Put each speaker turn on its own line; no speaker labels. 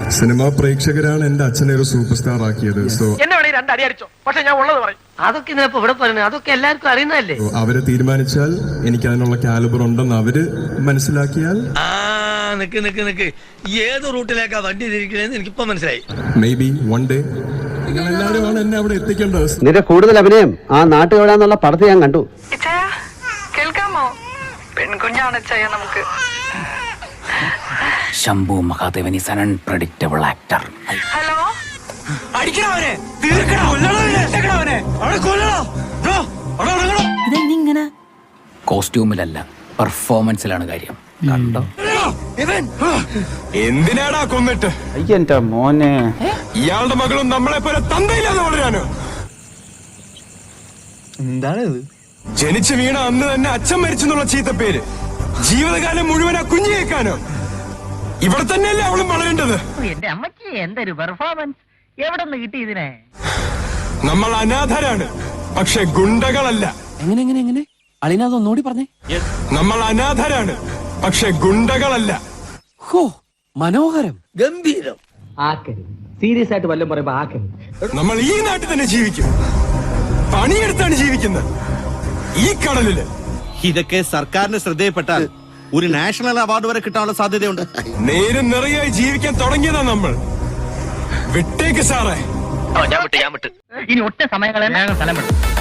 Cinema പ്രേക്ഷകരാണ് എന്റെ അച്ഛനെ ഒരു സൂപ്പർ സ്റ്റാർ ആക്കിയത്. സോ
പക്ഷെ ഞാൻ ഉള്ളത് പറയും. അതൊക്കെ ഇതിനപ്പോ ഇവിടെ പറയുന്നത് അതൊക്കെ എല്ലാവർക്കും അറിയുന്നതല്ലേ.
അവര് തീരുമാനിച്ചാൽ എനിക്ക് അതിനുള്ള കാലിബർ ഉണ്ടെന്ന് അവര് മനസ്സിലാക്കിയാൽ
നിക്ക് ഏത് റൂട്ടിലേക്കാ വണ്ടി തിരിക്കണേന്ന് എനിക്കിപ്പോ മനസ്സിലായി.
മേ ബി വൺ ഡേ നിങ്ങൾ എല്ലാവരുമാണ് എന്നെ അവിടെ എത്തിക്കേണ്ടത്.
നിന്റെ കൂടുതൽ അഭിനയം ആ നാട്ടുകാരാന്നുള്ള പടത്ത് ഞാൻ കണ്ടു.
കേൾക്കാമോ? പെൺകുഞ്ഞാണ് നമുക്ക്.
Shambhu Mahadevan is an unpredictable actor.
Hello,
ഇതെന്നിങ്ങനെ കോസ്റ്റ്യൂമിലല്ല പെർഫോമൻസിലാണ് കാര്യം. കണ്ടോ?
എന്തിനാടാ കൊന്നിട്ട്?
അയ്യന്റെ മോനെ,
ഇയാളുടെ മകളും നമ്മളെ പോലെ തന്തയില്ലാതെ വളരാനോ?
എന്താണിത്?
ജനിച്ചു വീണ അന്ന് തന്നെ അച്ഛൻ മരിച്ചെന്നുള്ള ചീത്ത പേര് ജീവിതകാലം മുഴുവൻ ആ കുഞ്ഞു കേൾക്കാനോ? ഇവിടെ തന്നെയല്ലേ അവളും വളരേണ്ടത്?
എന്റെ അമ്മക്ക് എന്തൊരു പെർഫോമൻസ്, എവിടെ നിന്ന് കിട്ടി ഇതിനെ?
നമ്മൾ അനാഥരാണ്, പക്ഷെ ഗുണ്ടകളല്ല.
എങ്ങനെ അളിനാഥൊന്നുകൂടി പറഞ്ഞേ.
നമ്മൾ അനാഥരാണ്, പക്ഷെ ഗുണ്ടകളല്ല.
ഹോ, മനോഹരം,
ഗംഭീരം.
ആക്കരുത്, സീരിയസ് ആയിട്ട് വല്ലതും പറയുമ്പോ ആക്കരുത്.
നമ്മൾ ഈ നാട്ടിൽ തന്നെ ജീവിക്കും, പണിയെടുത്താണ് ജീവിക്കുന്നത്, ഈ കടലില്.
ഇതൊക്കെ സർക്കാരിന്റെ ശ്രദ്ധയിൽപ്പെട്ടാൽ ഒരു നാഷണൽ അവാർഡ് വരെ കിട്ടാനുള്ള സാധ്യതയുണ്ട്.
നേരും നിറയായി ജീവിക്കാൻ തുടങ്ങിയതാ നമ്മൾ. വിട്ടേക്ക് സാറേ.
ഞാൻ വിട്ട് ഇനി ഒറ്റ സമയങ്ങളെ സ്ഥലം വിടും.